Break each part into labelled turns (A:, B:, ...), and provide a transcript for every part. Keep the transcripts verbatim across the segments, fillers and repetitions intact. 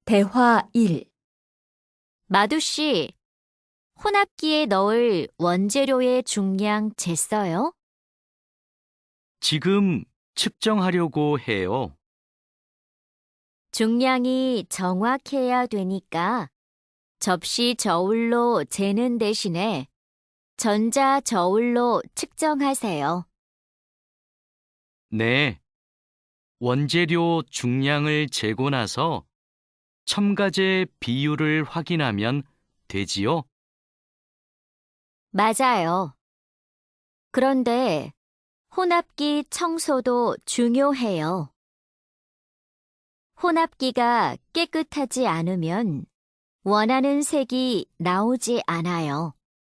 A: 대화 일.
B: 마두 씨, 혼합기에 넣을 원재료의 중량 쟀어요?
C: 지금 측정하려고 해요.
B: 중량이 정확해야 되니까 접시 저울로 재는 대신에 전자 저울로 측정하세요.
C: 네. 원재료 중량을 재고 나서 첨가제 비율을 확인하면 되지요?
B: 맞아요. 그런데 혼합기 청소도 중요해요. 혼합기가 깨끗하지 않으면 원하는 색이 나오지 않아요.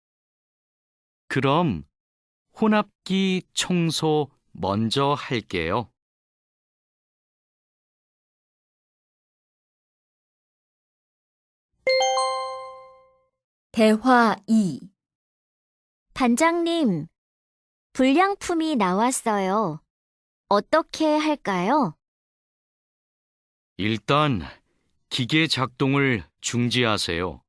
C: 그럼 혼합기 청소 먼저 할게요.
A: 대화 이.
B: 반장님, 불량품이 나왔어요. 어떻게 할까요?
C: 일단 기계 작동을 중지하세요.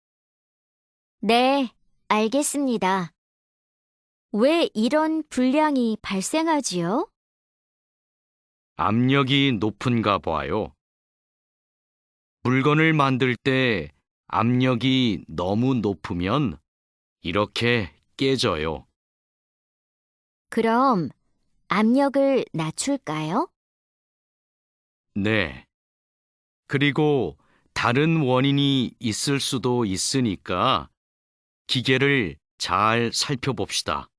B: 네, 알겠습니다. 왜 이런 불량이 발생하지요?
C: 압력이 높은가 봐요. 물건을 만들 때 압력이 너무 높으면 이렇게 깨져요.
B: 그럼 압력을 낮출까요?
C: 네. 그리고 다른 원인이 있을 수도 있으니까 기계를 잘 살펴봅시다.